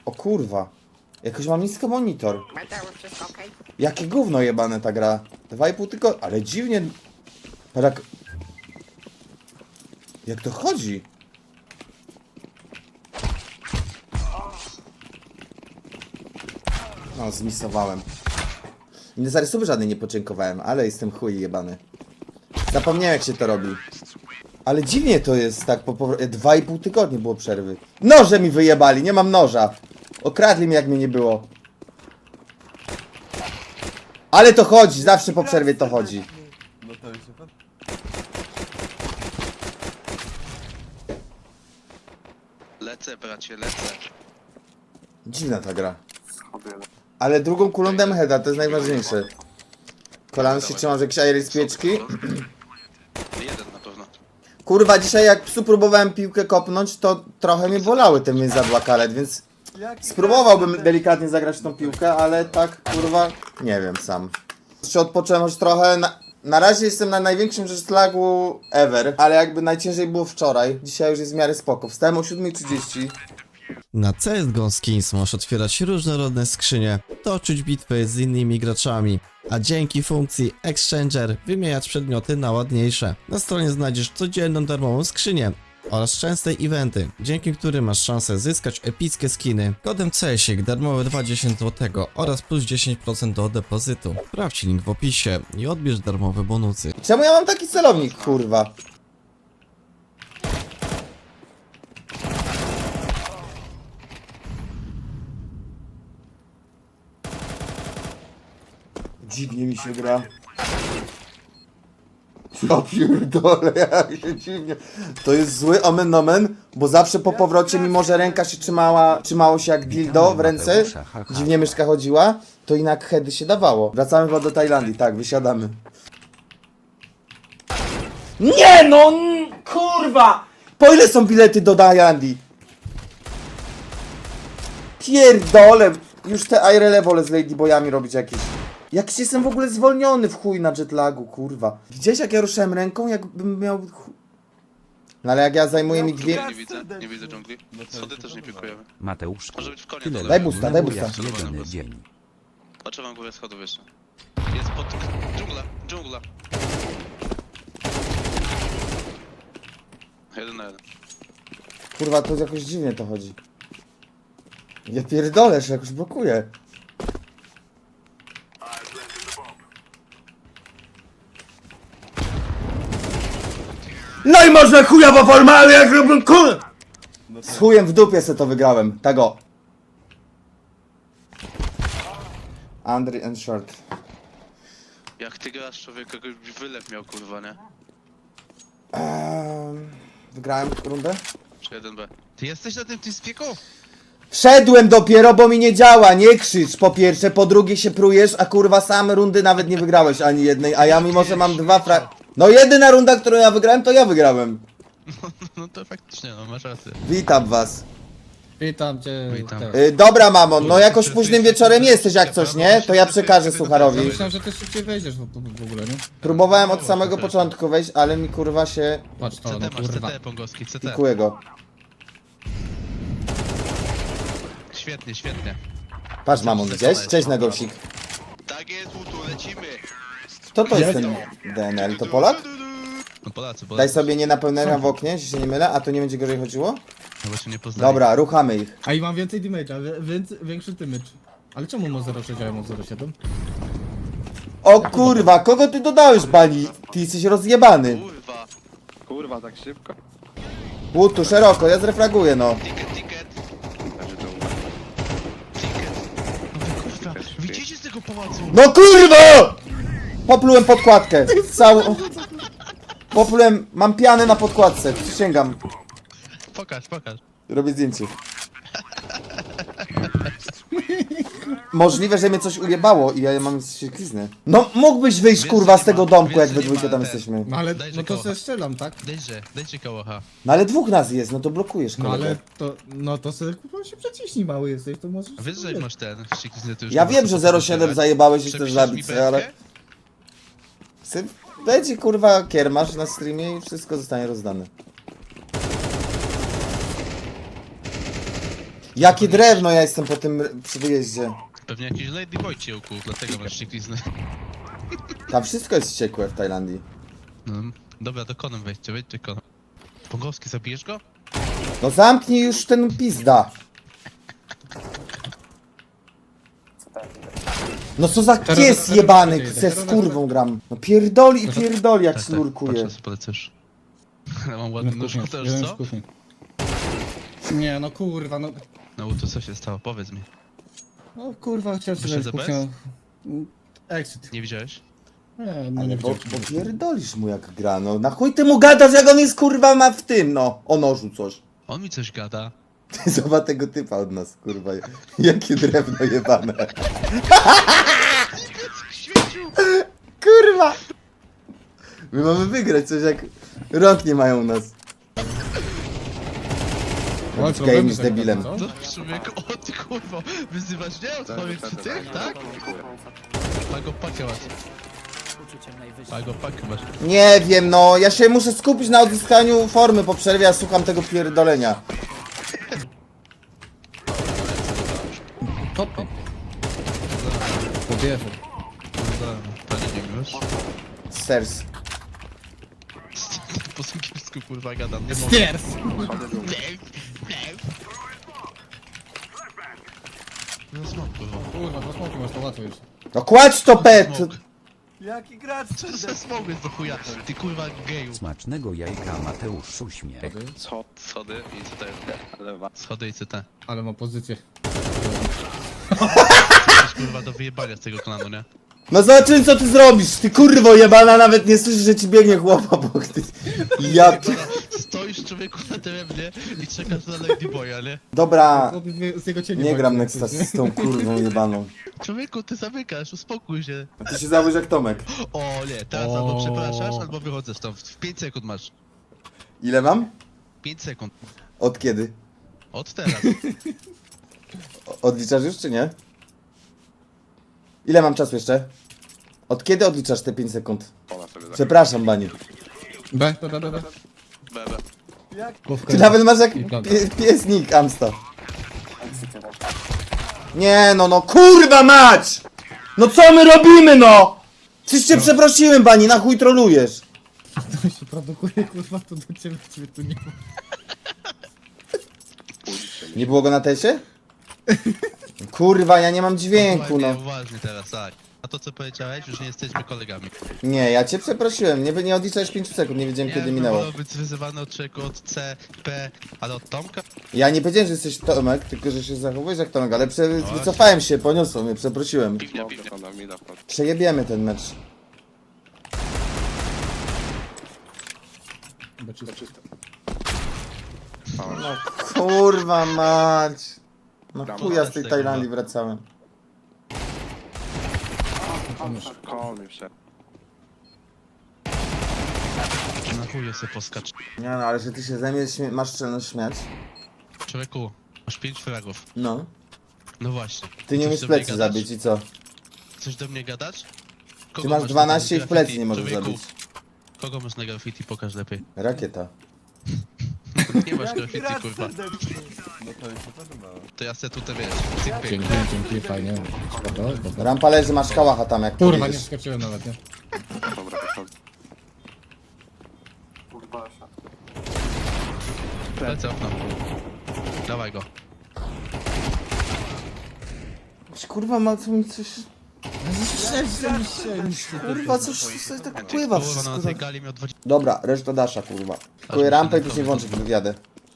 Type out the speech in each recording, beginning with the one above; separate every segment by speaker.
Speaker 1: O kurwa. Jakoś mam niski monitor.
Speaker 2: Mateusz, wszystko okej?
Speaker 1: Jakie gówno jebane ta gra. 2,5 tygodnia. Ale dziwnie. Tak. Jak to chodzi? No, zmisowałem. I na zarysowy żadnej nie podziękowałem, ale jestem chuj jebany. Zapomniałem jak się to robi. Ale dziwnie to jest tak po 2,5 tygodnia było przerwy. Noże mi wyjebali, nie mam noża. Okradli mnie jak mnie nie było. Ale to chodzi, zawsze po przerwie to chodzi.
Speaker 3: No to już się pan...
Speaker 4: Lecę, bracie, lecę.
Speaker 1: Dziwna ta gra. Ale drugą kulą dam heada, to jest najważniejsze. Kolano się trzymam, że jakieś aery z pieczki.
Speaker 4: Jeden na pewno.
Speaker 1: Kurwa, dzisiaj jak psu próbowałem piłkę kopnąć, to trochę mnie bolały te więzadła karet, więc spróbowałbym delikatnie zagrać w tą piłkę, ale tak, kurwa, nie wiem sam. Jeszcze odpocząłem już trochę. Na razie jestem na największym jetlagu ever, ale jakby najciężej było wczoraj. Dzisiaj już jest w miarę spoko. Wstałem o 7:30.
Speaker 5: Na CSGO Skins możesz otwierać różnorodne skrzynie, toczyć bitwy z innymi graczami, a dzięki funkcji Exchanger wymieniać przedmioty na ładniejsze. Na stronie znajdziesz codzienną darmową skrzynię oraz częste eventy, dzięki którym masz szansę zyskać epickie skiny. Kodem CSIK darmowe 20 zł oraz plus 10% do depozytu. Sprawdź link w opisie i odbierz darmowe bonusy.
Speaker 1: Czemu ja mam taki celownik, kurwa? Dziwnie mi się gra. Ja pierdolę, jak się dziwnie. To jest zły omen nomen, bo zawsze po powrocie, mimo że ręka się trzymało się jak dildo w ręce, dziwnie myszka chodziła, to jednak heady się dawało. Wracamy chyba do Tajlandii, tak, wysiadamy. Nie no, kurwa! Po ile są bilety do Tajlandii? Pierdolę, już te IRL wolę z ladyboyami robić jakieś. Jakiś jestem w ogóle zwolniony w chuj na jetlagu, kurwa. Widziałeś jak ja ruszałem ręką, jakbym miał... No ale jak ja zajmuję mi dwie...
Speaker 4: Nie widzę dżungli. Schody też nie pikujemy.
Speaker 6: Mateusz,
Speaker 4: Może być w konie
Speaker 6: tyle
Speaker 4: dole.
Speaker 1: Daj busta, daj busta.
Speaker 6: jak jedyny dzień.
Speaker 4: Patrzę wam górę schodów jeszcze. Jest pod... Dżungla, dżungla. 1 na 1.
Speaker 1: Kurwa, to jakoś dziwnie to chodzi. Ja pierdolę, że jakoś blokuje. No i można chujowo formalnie, jak robię kur... Z chujem w dupie se to wygrałem, tego. Andry and Short.
Speaker 4: Jak ty grasz, człowiek, jakoś wylew miał, kurwa, nie?
Speaker 1: Wygrałem rundę?
Speaker 4: Czy 1B? Ty jesteś na tym teamspeaku?
Speaker 1: Wszedłem dopiero, bo mi nie działa, nie krzycz po pierwsze, po drugie się prujesz, a kurwa same rundy nawet nie wygrałeś ani jednej, a ja mimo, że mam dwa No jedyna runda, którą ja wygrałem, to ja wygrałem.
Speaker 4: No to faktycznie, no masz rację.
Speaker 1: Witam was.
Speaker 7: Witam cię.
Speaker 4: Witam.
Speaker 1: Dobra mamo, no jakoś późnym wieczorem jesteś jak coś, nie? To ja przekażę Sucharowi.
Speaker 7: Myślałem, że ty szybciej wejdziesz w ogóle, nie?
Speaker 1: Próbowałem od samego początku wejść, ale mi kurwa się...
Speaker 7: Patrz to, no
Speaker 4: CT masz,
Speaker 7: kurwa.
Speaker 4: CT pongowski, CT.
Speaker 1: Pikuję go.
Speaker 4: Świetnie, świetnie.
Speaker 1: Patrz mamon, widziałeś? Cześć Negosik.
Speaker 4: Tak jest, Utu, lecimy!
Speaker 1: Kto to jest ten DNL? To Polak?
Speaker 4: No Polacy.
Speaker 1: Daj sobie nie napełnienia w oknie, jeśli się nie mylę, a to nie będzie gorzej chodziło?
Speaker 4: No bo się nie poznali.
Speaker 1: Dobra, ruchamy ich.
Speaker 7: A i mam więcej damage'a, więc większy damage. Ale czemu ma 0,6, a ja mam 0,7?
Speaker 1: O kurwa, kogo ty dodałeś, bani? Ty jesteś rozjebany.
Speaker 4: Kurwa.
Speaker 3: Kurwa, tak szybko?
Speaker 1: Łutu, szeroko, ja zrefraguję, no.
Speaker 4: Ticket, ticket. Kurwa, widzicie z tego pałacu?
Speaker 1: No kurwa! Poplułem podkładkę. Całą... Poplułem, mam pianę na podkładce, przysięgam.
Speaker 4: Pokaż, pokaż.
Speaker 1: Robię zdjęcie. Możliwe, że mnie coś ujebało i ja mam siekliznę. No mógłbyś wyjść kurwa z tego domku, jak we dwójkę tam jesteśmy.
Speaker 7: No ale,
Speaker 4: Dajże
Speaker 7: no to
Speaker 4: koło.
Speaker 7: se strzelam, tak?
Speaker 4: Dajcie kołocha.
Speaker 1: No ale dwóch nas jest, no to blokujesz
Speaker 7: No
Speaker 1: kolegę.
Speaker 7: ale to, no to se kurwa się przeciśnij, mały jesteś, to możesz...
Speaker 4: A wiesz, że jak masz ten ściekliznę, to już
Speaker 1: Ja
Speaker 4: nie
Speaker 1: wiem,
Speaker 4: masz
Speaker 1: że
Speaker 4: co
Speaker 1: 0,7
Speaker 4: podejrzewać.
Speaker 1: zajebałeś i chcesz
Speaker 4: Przepiszesz
Speaker 1: zabić
Speaker 4: mi
Speaker 1: sobie, ale...
Speaker 4: belkę?
Speaker 1: Będzie kurwa kiermasz na streamie i wszystko zostanie rozdane. Jakie drewno ja jestem po tym przy wyjeździe.
Speaker 4: Pewnie jakiś ladyboy cię ukuł, dlatego masz ścieklizny.
Speaker 1: Tam wszystko jest wściekłe w Tajlandii.
Speaker 4: No, dobra, do konem wejdźcie konem. Pongowski, zabijesz go?
Speaker 1: No zamknij już ten pizda. No co za pies jebany, ze skórwą gram. No pierdoli i pierdoli jak slurkuje.
Speaker 4: Patrzę, polecysz. Ale mam ładny nóż, też
Speaker 7: jeden
Speaker 4: co?
Speaker 7: z kuchni. Nie, no kurwa, no...
Speaker 4: No bo to co się stało, powiedz mi.
Speaker 7: No kurwa, chciałem
Speaker 4: Wyszedł
Speaker 7: sobie
Speaker 4: bez?
Speaker 7: kuchnię... Exit.
Speaker 4: Nie widziałeś?
Speaker 7: Nie, no
Speaker 1: Ale
Speaker 7: nie
Speaker 1: bo
Speaker 7: widziałem.
Speaker 1: pierdolisz mu jak gra, no na chuj ty mu gadasz jak on jest kurwa ma w tym, no. O nożu coś.
Speaker 4: On mi coś gada.
Speaker 1: Ty zobacz tego typa od nas, kurwa. Jakie drewno jebane. Kurwa! My mamy wygrać coś jak rąk nie mają u nas.
Speaker 7: Ale
Speaker 1: Game
Speaker 7: problemy
Speaker 1: z
Speaker 7: tego,
Speaker 1: debilem.
Speaker 7: co?
Speaker 4: No człowieku, o ty kurwa, wyzywasz mnie od moich tych, tak? Pago pakę masz. Pago pakę masz.
Speaker 1: Nie wiem, no ja się muszę skupić na odzyskaniu formy po przerwie, a słucham tego pierdolenia.
Speaker 7: Topy. Pobierze.
Speaker 4: Panie nie wiesz?
Speaker 1: Sers.
Speaker 4: Po angielsku kurwa gadam, nie mogę.
Speaker 7: Stiers!
Speaker 4: No smok kurwa.
Speaker 7: Kurwa, do smoki masz to łatwo już.
Speaker 1: No kładź to pet!
Speaker 4: Smok.
Speaker 3: Jaki gracz?
Speaker 4: Co za smok jest do chuja? Ty kurwa geju.
Speaker 2: Smacznego jajka Mateusz uśmiech.
Speaker 4: Schody i co to jest?
Speaker 3: Lewa.
Speaker 4: Schody i CT.
Speaker 7: Ale ma pozycję.
Speaker 4: Jesteś kurwa do wyjebania z tego klanu, nie?
Speaker 1: No zobaczymy co ty zrobisz, ty kurwo jebana, nawet nie słyszysz, że ci biegnie chłopa, bo ty... Ja...
Speaker 4: Kurwa, stoisz człowieku na drewnie i czekasz na Ladyboya, nie?
Speaker 1: Dobra,
Speaker 7: Z jego cienia
Speaker 1: nie
Speaker 7: walczy,
Speaker 1: gram
Speaker 7: nie?
Speaker 1: Nexta z tą kurwą jebaną.
Speaker 4: Człowieku, ty zamykasz, uspokój się.
Speaker 1: Ty się załóż jak Tomek.
Speaker 4: O nie, teraz
Speaker 7: O.
Speaker 4: albo przepraszasz, albo wychodzę stąd. W 5 sekund masz.
Speaker 1: Ile mam?
Speaker 4: 5 sekund.
Speaker 1: Od kiedy?
Speaker 4: Od teraz.
Speaker 1: Odliczasz już czy nie? Ile mam czasu jeszcze? Od kiedy odliczasz te 5 sekund?
Speaker 3: Ona sobie
Speaker 1: Przepraszam, Bani.
Speaker 7: B.
Speaker 4: Bebe.
Speaker 1: Ty nawet masz jak
Speaker 7: I prawda.
Speaker 1: piesnik, Amsta. Nie no, kurwa mać! No co my robimy no? Przecież cię przeprosiłem, Bani, na chuj trolujesz.
Speaker 7: To się produkuje, kurwa, to do ciebie tu nie ma.
Speaker 1: Nie było go na tesie? Kurwa, ja nie mam dźwięku,
Speaker 4: Uważnie,
Speaker 1: no.
Speaker 4: uważnie teraz, tak. A to co powiedziałeś, już nie jesteśmy kolegami.
Speaker 1: Nie, ja cię przeprosiłem, nie odliczałeś 5 sekund, nie wiedziałem kiedy minęło.
Speaker 4: wolał być wyzywany od czego, od C, P, ale od Tomka?
Speaker 1: Ja nie powiedziałem, że jesteś Tomek, tylko że się zachowujesz jak Tomek, ale wycofałem się, poniosło mnie, przeprosiłem.
Speaker 4: Piwnia, piwnia.
Speaker 3: Ona mi da wchodzi.
Speaker 1: Przejebiemy ten mecz.
Speaker 7: B czysto.
Speaker 1: No kurwa mać. No chuja z tej Tajlandii wracałem.
Speaker 3: Koło mi wszedł.
Speaker 4: Na chuje se poskacz.
Speaker 1: Nie no, ale że ty się ze mnie masz czelność śmiać.
Speaker 4: Człowieku, masz 5 fragów.
Speaker 1: No.
Speaker 4: No właśnie.
Speaker 1: Ty nie
Speaker 4: Chcesz
Speaker 1: umiesz
Speaker 4: do mnie
Speaker 1: plecy
Speaker 4: gadać?
Speaker 1: zabić i co?
Speaker 4: Chcesz do mnie gadać?
Speaker 1: Ty
Speaker 4: Kogo
Speaker 1: masz
Speaker 4: na
Speaker 1: 12 i w
Speaker 4: graffiti?
Speaker 1: plecy nie możesz
Speaker 4: Człowieku,
Speaker 1: zabić.
Speaker 4: Kogo masz na graffiti? Pokaż lepiej.
Speaker 1: Rakieta.
Speaker 4: Nie masz graffiti, kurwa.
Speaker 3: No to już się podobało.
Speaker 4: To ja se tutaj wiesz, cyk pyk.
Speaker 7: Dzięki, fajnie. Spoko.
Speaker 1: Rampa leży, masz kałacha tam jak
Speaker 7: Kurwa, nie
Speaker 1: pojedziesz.
Speaker 7: wskoczyłem nawet, nie?
Speaker 3: Dobra, wychodzi.
Speaker 4: Lecę okno. Dawaj go.
Speaker 1: Kurwa ma tu mi coś... Kurwa coś tak pływa
Speaker 4: Kurwa,
Speaker 1: wszystko.
Speaker 4: na tej gali miał 20...
Speaker 1: Dobra, reszta dasza kurwa. Kupuję
Speaker 4: mi
Speaker 1: rampę i
Speaker 4: się
Speaker 1: później włączę wywiadę.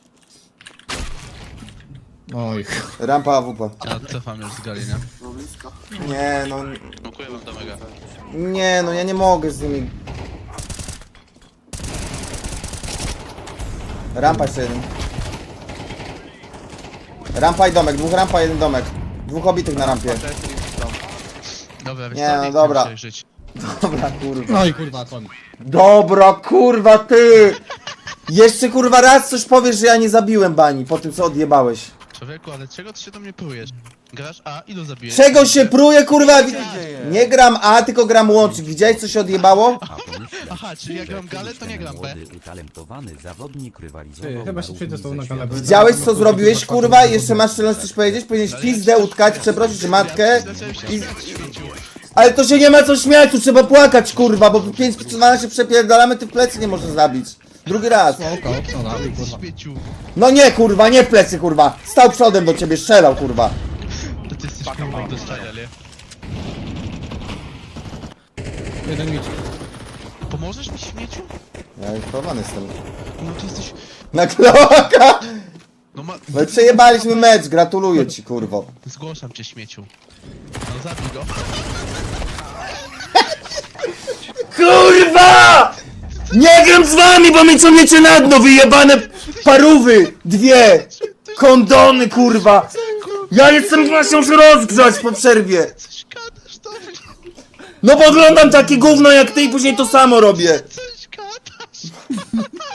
Speaker 7: Oj,
Speaker 1: Rampa AWP.
Speaker 4: Ja cofam już z gali, nie?
Speaker 1: Nie no,
Speaker 4: Dziękuję wam do mega.
Speaker 1: nie no, ja nie mogę z nimi. Rampa jeszcze jeden. Rampa i domek, dwóch rampa, jeden domek. Dwóch obitych na rampie.
Speaker 4: Dobra, wiesz
Speaker 1: Nie,
Speaker 4: co,
Speaker 1: no
Speaker 4: nie
Speaker 1: dobra.
Speaker 4: chcę żyć.
Speaker 1: Dobra kurwa.
Speaker 7: no i kurwa, kon.
Speaker 1: Dobra kurwa ty! Jeszcze kurwa raz coś powiesz, że ja nie zabiłem Bani po tym co odjebałeś.
Speaker 4: Człowieku, ale czego ty się do mnie prójesz? Grasz A, ilu zabijesz?
Speaker 1: Czego się pruje, kurwa? Nie gram A, tylko gram łącznik. Widziałeś, co się odjebało?
Speaker 4: Aha, czyli jak gram galę, to nie gram B.
Speaker 2: Młody, utalentowany zawodnik
Speaker 7: Ty,
Speaker 2: rywalizował
Speaker 7: chyba
Speaker 2: na
Speaker 7: się
Speaker 2: równi
Speaker 7: przejdę z tobą
Speaker 2: ze
Speaker 7: na galę.
Speaker 2: światem.
Speaker 1: Widziałeś, co zrobiłeś, kurwa? Jeszcze masz czelność coś powiedzieć? Powinieneś pizdę utkać, przeprosić matkę.
Speaker 4: Zacząłem się
Speaker 1: I...
Speaker 4: śmieciu.
Speaker 1: Ale to się nie ma co śmiać, tu trzeba płakać, kurwa, bo 5 się przepierdalamy, ty w plecy nie możesz zabić. Drugi raz.
Speaker 7: Oko, no dalej, kurwa.
Speaker 4: Śmieciu.
Speaker 1: No nie, kurwa, nie w plecy, kurwa. Stał przodem do ciebie, strzelał, kurwa.
Speaker 4: To ty jesteś kurwa do strzelania, nie?
Speaker 7: Jeden miecz.
Speaker 4: Pomożesz mi, śmieciu?
Speaker 1: Ja już chowany jestem.
Speaker 4: No ty jesteś...
Speaker 1: Na kloaka!
Speaker 4: No ma...
Speaker 1: No i przejebaliśmy mecz, gratuluję ci, kurwo.
Speaker 4: Zgłaszam cię, śmieciu. No zabij go.
Speaker 1: Kurwa! Nie gram z wami, bo mi ciągniecie na dno, wyjebane parówy! Dwie! Kondony, kurwa! Ja jestem właśnie muszę rozgrzać po przerwie.
Speaker 4: Coś gadasz do mnie.
Speaker 1: No bo oglądam takie gówno jak ty i później to samo robię.
Speaker 4: Co